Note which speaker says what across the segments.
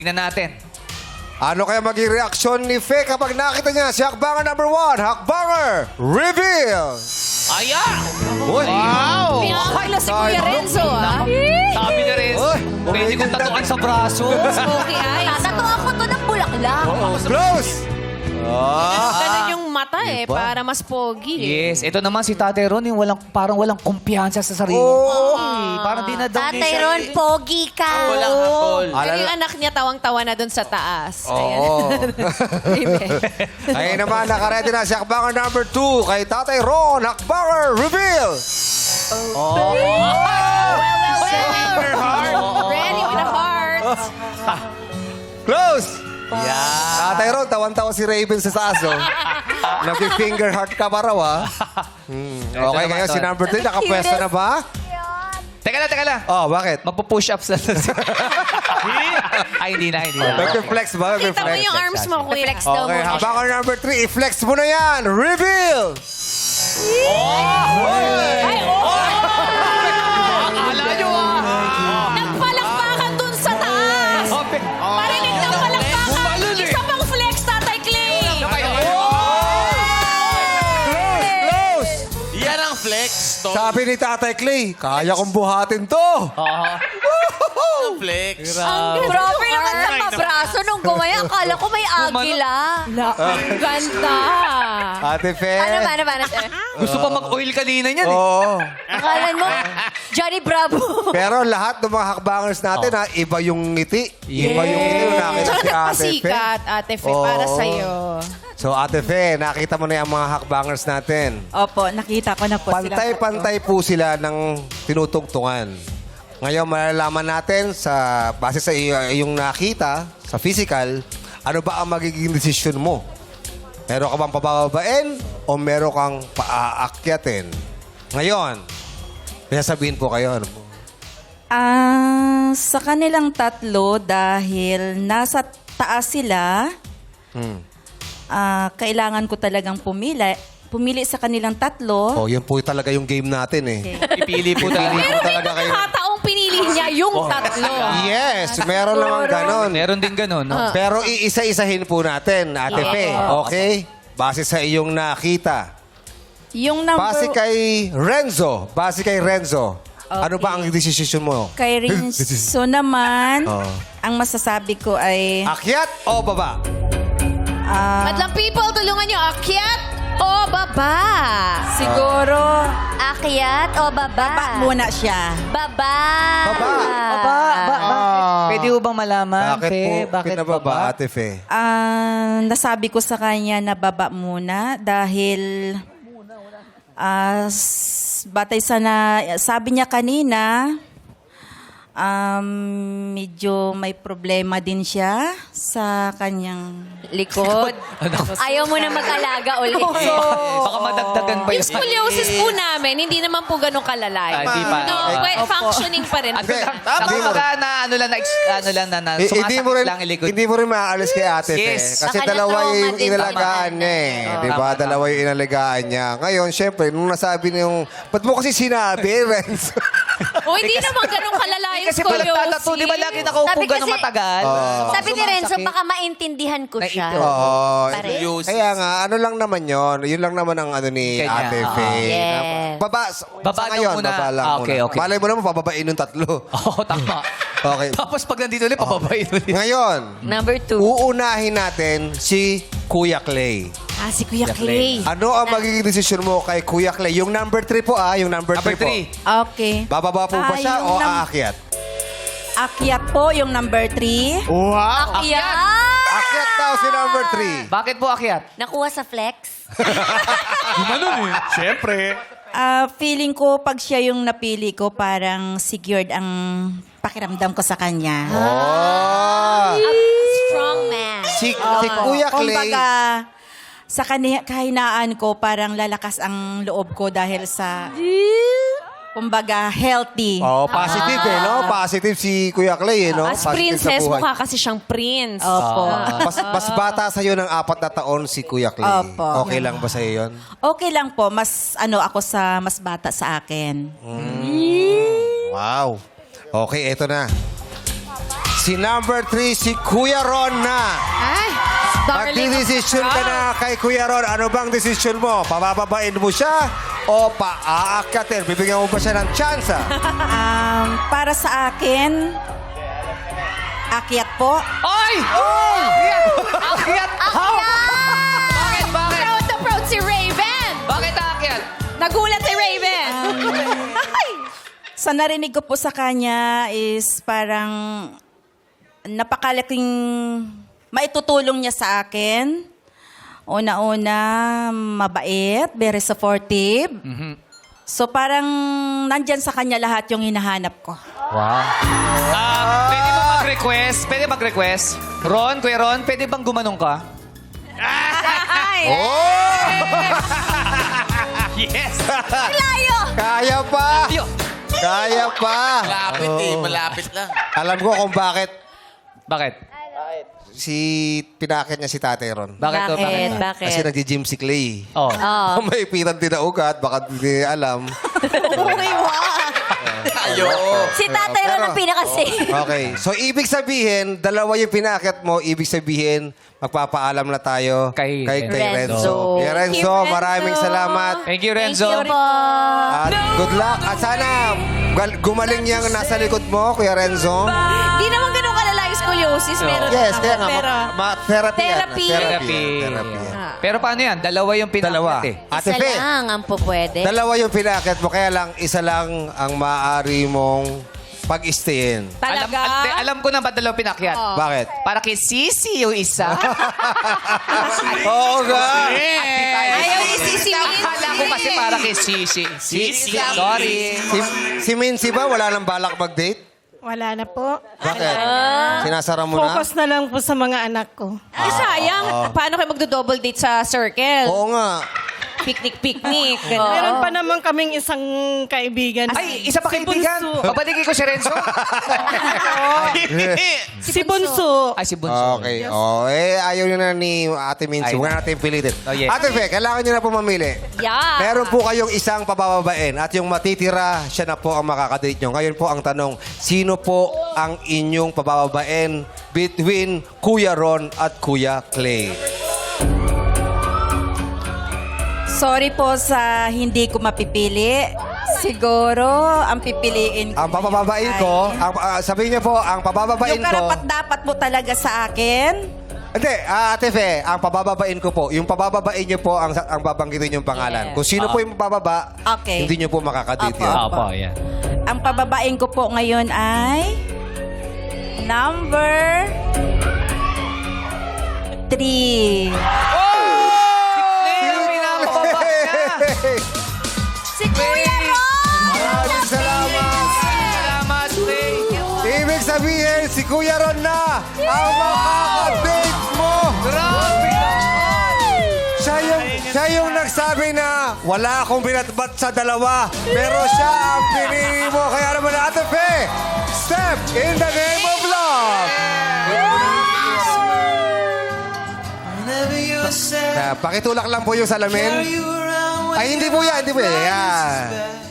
Speaker 1: Tingnan natin.
Speaker 2: Ano kaya maging reaksyon ni Faye kapag nakita niya si Hakbanger number 1? Hakbanger Reveal!
Speaker 1: Ayan!
Speaker 2: Uy!
Speaker 1: Wow!
Speaker 3: Pinakakala si Kuya Renzo, ah.
Speaker 1: Sabi niya rin,
Speaker 2: Uy!
Speaker 1: pwede kong tatuan sa braso.
Speaker 3: Smoky eyes. Tatuan ko to ng bulaklak.
Speaker 2: Close!
Speaker 3: Ganun yung mata eh, para mas pogi.
Speaker 1: Yes, ito naman si Tatay Ron, yung parang walang kumpiyansa sa sarili.
Speaker 2: Oo.
Speaker 1: Parang di na daw
Speaker 4: Tatay Ron, pogi ka.
Speaker 3: Pero yung anak niya tawang-tawa na dun sa taas.
Speaker 2: Oo.
Speaker 3: Amen.
Speaker 2: Ngayon naman, nakaredy na si Hakbanger number 2 kay Tatay Ron. Hakbanger Reveal!
Speaker 3: Ready with a heart.
Speaker 2: Close!
Speaker 1: Yeah.
Speaker 2: Tatay Ron, tawan-tawa si Raven sa taas, oh. Nag-finger heart ka pa raw, ah. Okay, ngayon si number 3, nakapwesto na ba?
Speaker 1: Teka lang.
Speaker 2: Oh, bakit?
Speaker 1: Magpo-push up sa... Ay, hindi na.
Speaker 2: Nag-flex ba?
Speaker 3: Kita mo yung arms mo, Kuya. Flex daw
Speaker 2: Okay,
Speaker 3: mo.
Speaker 2: Hakbanger number 3, i-flex mo na yan! Reveal!
Speaker 1: Akala nyo
Speaker 3: Nagpalakpakan dun sa taas. Parinig ng palakpakan. Isa pang flex, Tatay Clay.
Speaker 2: Close!
Speaker 5: Yan ang flex, to.
Speaker 2: Sabi ni Tatay Clay, kaya kong buhatin to!
Speaker 5: Flex.
Speaker 4: Grabe naman sa pabraso nung gumaya. Akala ko may agila.
Speaker 3: Ganda.
Speaker 2: Ate Fe.
Speaker 4: Ano ba?
Speaker 1: Gusto pa mag-oil kanina niyan eh.
Speaker 2: Oo.
Speaker 4: Akala mo, Johnny Bravo.
Speaker 2: Pero lahat ng mga hakbangers natin, ha, iba yung ngiti. Iba yung ngiti nung nakita
Speaker 3: Tsaka
Speaker 2: si Ate Fe.
Speaker 3: nagpasikat, Ate Fe, para
Speaker 2: Oo.
Speaker 3: sa'yo.
Speaker 2: So, Ate Fe, nakita mo na yung mga hakbangers natin.
Speaker 6: Opo, nakita ko na po sila.
Speaker 2: Pantay-pantay po sila ng tinutugtungan. Ngayon, malalaman natin base sa iyong nakita, sa physical, ano ba ang magiging desisyon mo? Meron ka bang pabababain o meron kang paaakyatin? Ngayon, may sasabihin po kayo. Ano po?
Speaker 6: Sa kanilang tatlo, dahil nasa taas sila, kailangan ko talagang pumili sa kanilang tatlo.
Speaker 2: Oh, yun po talaga yung game natin eh.
Speaker 1: Ipili po tayo.
Speaker 3: Pero may
Speaker 2: talaga kayo.
Speaker 3: pagkakataong pinili niya yung tatlo.
Speaker 2: Yes, meron naman ganon.
Speaker 1: Meron din ganun, no?
Speaker 2: Pero iisa-isahin po natin, Ate Fe. Okay? Base sa iyong nakita.
Speaker 6: Yung number...
Speaker 2: Base kay Renzo. Ano ba ang desisyon mo?
Speaker 6: Kay Rinso naman,
Speaker 2: Oh.
Speaker 6: ang masasabi ko ay...
Speaker 2: Akyat o baba?
Speaker 3: Madlang people, tulungan niyo. Akyat o baba?
Speaker 6: Siguro,
Speaker 4: Akyat o baba?
Speaker 6: baba muna siya.
Speaker 4: Baba.
Speaker 2: Baba.
Speaker 1: Pwede ho bang malaman,
Speaker 2: Bakit
Speaker 1: Fe?
Speaker 2: po
Speaker 1: Bakit
Speaker 2: pinababa,
Speaker 1: baba?
Speaker 2: Ate Fe?
Speaker 6: Nasabi ko sa kanya na baba muna dahil batay sa sabi niya kanina, medyo may problema din siya sa kanyang
Speaker 4: Likod. Ayaw mo na mag-alaga ulit.
Speaker 1: Baka madagdagan pa
Speaker 3: Yung
Speaker 1: yun.
Speaker 3: scoliosis po namin, hindi naman po ganun kalalay.
Speaker 1: Hindi pa.
Speaker 3: No, well, functioning pa rin.
Speaker 1: Ano lang na
Speaker 2: Hindi mo rin,
Speaker 1: sumasakit lang ilikod.
Speaker 2: hindi mo rin maaalis kay Ate
Speaker 1: Yes.
Speaker 2: Fe. Kasi
Speaker 4: Baka
Speaker 2: dalawa
Speaker 4: na-trauma
Speaker 2: yung
Speaker 4: din
Speaker 2: inalagaan niya eh. Di ba? Dalawa yung inalagaan niya. Ngayon, syempre, nung nasabi niya yung... Ba't mo kasi sinabi, Renzo?
Speaker 3: O, hindi naman ganun kalalay yung
Speaker 1: Kasi pag nagtatato, di ba lagi nakaupo
Speaker 4: Sabi
Speaker 1: gano'ng
Speaker 4: kasi-
Speaker 1: matagal?
Speaker 4: Sabi ni Renzo, baka maintindihan ko siya.
Speaker 2: Oo.
Speaker 4: Pare.
Speaker 2: Kaya nga, ano lang naman yon. Yun lang naman ang ano ni
Speaker 1: Kanya.
Speaker 2: Ate Fe.
Speaker 4: Yes.
Speaker 2: Baba.
Speaker 1: Baba
Speaker 2: sa
Speaker 1: lang
Speaker 2: ngayon,
Speaker 1: muna.
Speaker 2: baba lang
Speaker 1: Okay,
Speaker 2: muna.
Speaker 1: okay.
Speaker 2: Malay mo naman, pababain yung tatlo.
Speaker 1: Oo, tama.
Speaker 2: Okay.
Speaker 1: Tapos pag nandito ulit, pababain ulit.
Speaker 2: Ngayon,
Speaker 4: Number 2.
Speaker 2: uunahin natin si Kuya Clay.
Speaker 3: Si Kuya Clay.
Speaker 2: Ano ang magiging desisyon mo kay Kuya Clay? Yung number 3 po yung number 3
Speaker 1: Number
Speaker 2: po.
Speaker 1: 3.
Speaker 6: Okay.
Speaker 2: Bababa po ba siya
Speaker 6: yung
Speaker 2: o aakyat?
Speaker 6: Akyat po yung number 3.
Speaker 4: Akyat.
Speaker 2: Akyat daw si number 3.
Speaker 1: Bakit po akyat?
Speaker 4: Nakuha sa flex.
Speaker 5: Siyempre.
Speaker 6: Feeling ko pag siya yung napili ko, parang secured ang pakiramdam ko sa kanya.
Speaker 4: Strong man.
Speaker 2: Si Kuya Clay.
Speaker 6: Kumbaga, sa kahinaan ko, parang lalakas ang loob ko dahil sa, kumbaga, healthy.
Speaker 2: Positive no? Positive si Kuya Clay no?
Speaker 3: As
Speaker 2: Positive
Speaker 3: princess,
Speaker 2: sa buhay.
Speaker 3: mukha kasi siyang prince.
Speaker 6: Opo.
Speaker 2: Mas bata sa'yo ng 4 na taon si Kuya Clay.
Speaker 6: Opo.
Speaker 2: Okay lang ba sa'yo yun?
Speaker 6: Okay lang po, mas ako sa mas bata sa akin.
Speaker 2: Wow. Okay, eto na. Si number 3, si Kuya Ron na.
Speaker 3: Ay, darling.
Speaker 2: Magdidesisyon ka na kay Kuya Ron. Ano bang desisyon mo? Pabababain mo siya o paaakyatin? Bibigyan mo ba siya ng tsansa?
Speaker 6: Para sa akin, akyat po.
Speaker 5: Ay! Akyat! Bakit?
Speaker 3: Proud na proud si Raven.
Speaker 5: Bakit akyat?
Speaker 3: Nagulat si Raven.
Speaker 6: Sa narinig ko po sa kanya is parang napakalaking maitutulong niya sa akin. Una-una, mabait, very supportive. So parang nandyan sa kanya lahat yung hinahanap ko.
Speaker 5: Pwede ba mag-request? Pwede mag-request? Ron, Kuya Ron, pwede bang gumanong ka? Yes!
Speaker 3: Layo.
Speaker 2: Kaya pa!
Speaker 5: Yo!
Speaker 2: Kaya pa!
Speaker 5: Malapit malapit lang.
Speaker 2: Alam ko kung bakit
Speaker 5: Bakit?
Speaker 2: pinakit niya si Tatay Ron.
Speaker 5: Bakit to?
Speaker 4: Bakit?
Speaker 2: Kasi nag-gym si Clay.
Speaker 5: Oh.
Speaker 2: May pitan din na ugat, baka hindi alam.
Speaker 4: Si Tatay Ron ang pinaka-safe.
Speaker 2: Okay. So, ibig sabihin, dalawa yung pinakit mo. Ibig sabihin, magpapaalam na tayo
Speaker 5: Kay
Speaker 2: Renzo.
Speaker 4: Renzo.
Speaker 2: Kuya Renzo, maraming salamat.
Speaker 5: Thank you, Renzo.
Speaker 4: Thank you po.
Speaker 2: At good luck. At sana gumaling yung nasa likod mo, Kuya Renzo.
Speaker 3: Di naman ganun kalala yung scoliosis. Meron
Speaker 2: Yes,
Speaker 3: naman.
Speaker 2: kaya nga.
Speaker 3: Pero,
Speaker 2: Therapy yan.
Speaker 3: Therapy.
Speaker 5: Therapy.
Speaker 2: Therapy yan.
Speaker 5: Pero paano yan? Dalawa yung pinakit
Speaker 2: Dalawa.
Speaker 5: eh.
Speaker 2: Ate
Speaker 4: Isa
Speaker 2: Fe,
Speaker 4: lang ang po pwede.
Speaker 2: dalawa yung pinakit mo. Kaya lang, isa lang ang maaari mong pag-stayin.
Speaker 3: talaga.
Speaker 5: Alam ko na ba dalawa pinakyat?
Speaker 2: Bakit?
Speaker 5: Para kay Sisi yung isa.
Speaker 2: Oo nga.
Speaker 3: Ayaw ni Sisi
Speaker 5: Akala ko kasi para kay Sisi. Sisi, sorry.
Speaker 2: Si Mincy ba, wala nang balak mag-date?
Speaker 7: Wala na po.
Speaker 2: Bakit? Sinasara mo na?
Speaker 7: Focus na lang po sa mga anak ko.
Speaker 3: Ay, sayang. Paano kayo magdo-double date sa circle?
Speaker 2: Oo nga.
Speaker 3: Picnic.
Speaker 7: Meron pa naman kaming isang kaibigan.
Speaker 5: Ay, isa pa
Speaker 7: Si
Speaker 5: kaibigan.
Speaker 7: Bunso.
Speaker 5: Papaligay ko si Renzo.
Speaker 7: Si Bunso.
Speaker 5: Ay, si Bunso.
Speaker 2: Okay. Oh, ayaw nyo na ni Ate Mincy.
Speaker 5: Ay,
Speaker 2: Huwag na natin pilitin.
Speaker 5: Oh, yes.
Speaker 2: Ate Fe, kailangan nyo na po mamili.
Speaker 3: Yeah.
Speaker 2: Meron po kayong isang pabababain at yung matitira, siya na po ang makakadate nyo. Ngayon po ang tanong, sino po ang inyong pabababain between Kuya Ron at Kuya Clay?
Speaker 6: Sorry po sa hindi ko mapipili. Siguro, ang pipiliin ko.
Speaker 2: Ang pabababain ko, sabihin niyo po, ang pabababain
Speaker 6: Yung
Speaker 2: ko...
Speaker 6: karapat-dapat mo talaga sa akin.
Speaker 2: Hindi, Ate Fe, ang pabababain ko po, yung pabababain niyo po ang babanggitin yung pangalan.
Speaker 6: Yes.
Speaker 2: Kung sino po yung bababa,
Speaker 6: Okay.
Speaker 2: hindi niyo po makakadate
Speaker 6: Apo.
Speaker 2: yun.
Speaker 5: Opo, yan.
Speaker 6: Ang pababain ko po ngayon ay number 3.
Speaker 3: Si Kuya Ron.
Speaker 2: Maraming salamat.
Speaker 5: Salamat, Clay.
Speaker 2: Ibig sabihin, si Kuya Ron na ang makakadate mo.
Speaker 5: Grabe
Speaker 2: Siya yung nagsabi na wala akong binatbat sa dalawa, pero siya ang pinili mo. Kaya naman, Ate Fe, step in the name of love. Pakitulak lang po yung salamin. Ay, hindi po yan, hindi po yan. Yan.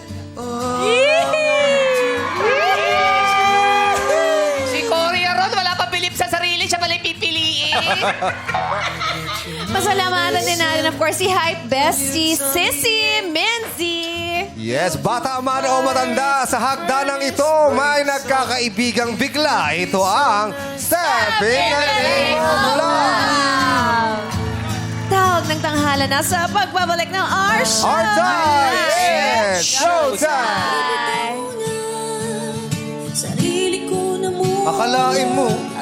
Speaker 5: Si Kuya Ron, wala pa bilip sa sarili. Siya pala yung pipiliin.
Speaker 3: Pasalamatan din natin, of course, si Hype Bestie, Sissy Menzi.
Speaker 2: Yes, bata man o matanda, sa hagdanang ito, may nagkakaibigang bigla. Ito ang Step in the Name of Love.
Speaker 3: Tawag ng tanghala na sa pagbabalik ng our show.
Speaker 2: Our time is showtime!
Speaker 8: Sarili ko na mo
Speaker 2: Akalain mo,